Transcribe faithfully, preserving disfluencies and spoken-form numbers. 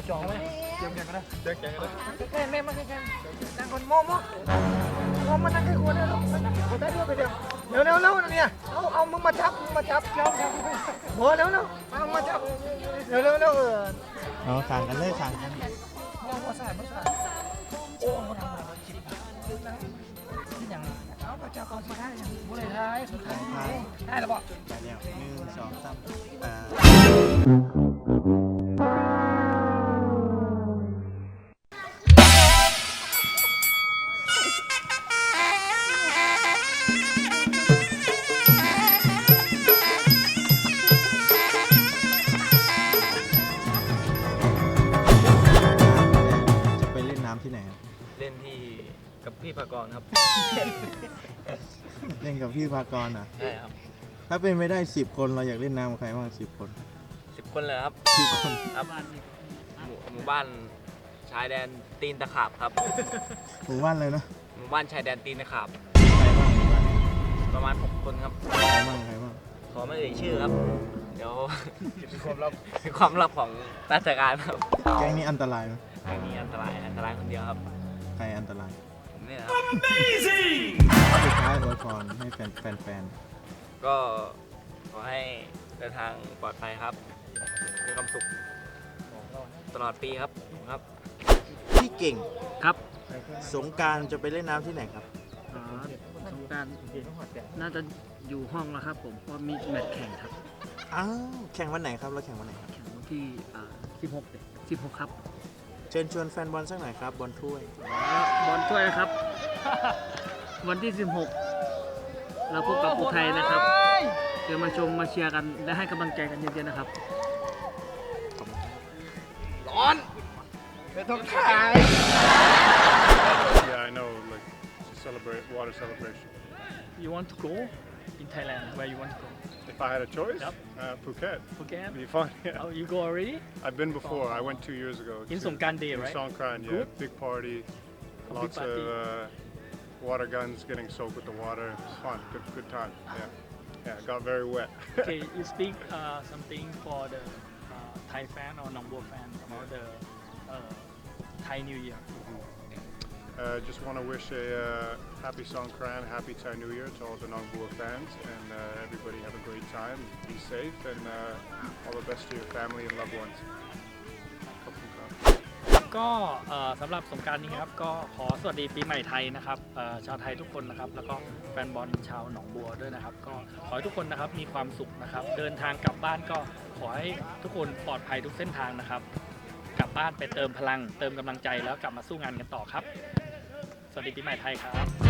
จองไหมเตรียมแข่งกันนะเตรียมแข่งกันนะแข่งแม่มาแข่งนั่งคนโม่โม่โม่มานั่งให้คนเดียวคนได้ด้วยไปเดียวเร็วเร็วเร็วเนี่ยเอาเอามึงมาจับมึงมาจับเจ้าโม่เร็วเร็วเอามาจับเร็วเร็วเร็วเออเอาสั่งกันเลยสั่งกันโม่มาใส่มาใส่โอ้มาทำอะไรจิบที่อย่างเอามาจับก่อนสิได้ยังบุหรี่ท้ายสุดท้ายได้หรือเปล่าไปแล้วหนึ่งสองสามอ่าจะไปเล่นน้ำที่ไหนครับเล่นที่กับพี่ภากรครับเล่นกับพี่ภากรอ่ะใช่ครับถ้าเป็นไม่ได้สิบคนเราอยากเล่นน้ำกับใครบ้างสิบคนสิบคนเลยครับสิบคนครับหมู่หมู่บ้านชายแดนตีนตะขาบครับหมู่บ้านเลยนะหมู่บ้านชายแดนตีนตะขาบใครบ้างหมู่บ้านประมาณหกคนครับใครบ้างใครบ้างขอไม่เอ่ยชื่อครับ เดี๋ยวเป็นความลับเป็นความลับของราชการครับแก๊งนี้อันตรายไหมไม่มีอันตรายอันตรายคนเดียวครับใครอันตรายผมเนี่ยครับสุดท้ายอวยพรให้แฟนแฟนแฟนก็ขอให้เดินทางปลอดภัยครับมีความสุขตลอดปีครับผมครับพี่เก่งครับสงกรารจะไปเล่นน้ำที่ไหนครับอ๋อสงกรารน่าจะอยู่ห้องแล้วครับผมเพราะมีแมตช์แข่งครับอ้าวแข่งวันไหนครับเราแข่งวันไหนครับแข่งวันที่อ่าสิบหกเด็สิบหกครับเชิญชวนแฟนบอลสักหน่อยครับบอลถ้วยแล้วบอลถ้วยนะครับ วันที่สิบหกเราพบกับอุทัยนะครับเดี๋ยวมาชมมาเชียร์กันและให้กำลังใจกันเยอะๆนะครับร้อนไม่ต้องถ่าย Yeah, I know, like, to celebrate water celebration. You want to go in Thailand? Where you want to go? If I had a choice, Yep. uh, Phuket. Phuket? It'd be fun, yeah. Oh, you go already? I've been before. I went two years ago. In to- Songkran Day, in right? Songkran, yeah. Good? Big party. A big Lots party. of uh, water guns getting soaked with the water. It's fun. Good, good time. Yeah. Yeah, it got very wet. Okay, you speak uh, something for the uh, Thai fan or Nongbo fan about the uh, Thai New Year. Uh, just want to wish a uh, happy Songkran, happy Thai New Year to all the Nongbua fans, and uh, everybody have a great time. Be safe, and uh, all the best to your family and loved ones. ก็เอ่อสำหรับสงกรานต์นี้ครับก็ขอสวัสดีปีใหม่ไทยนะครับเอ่อชาวไทยทุกคนนะครับแล้วก็แฟนบอลชาวหนองบัวด้วยนะครับก็ขอให้ทุกคนนะครับมีความสุขนะครับเดินทางกลับบ้านก็ขอให้ทุกคนปลอดภัยทุกเส้นทางนะครับกลับบ้านไปเติมพลังเติมกำลังใจแล้วกลับมาสู้งานกันต่อครับสวัสดีปีใหม่ไทยครับ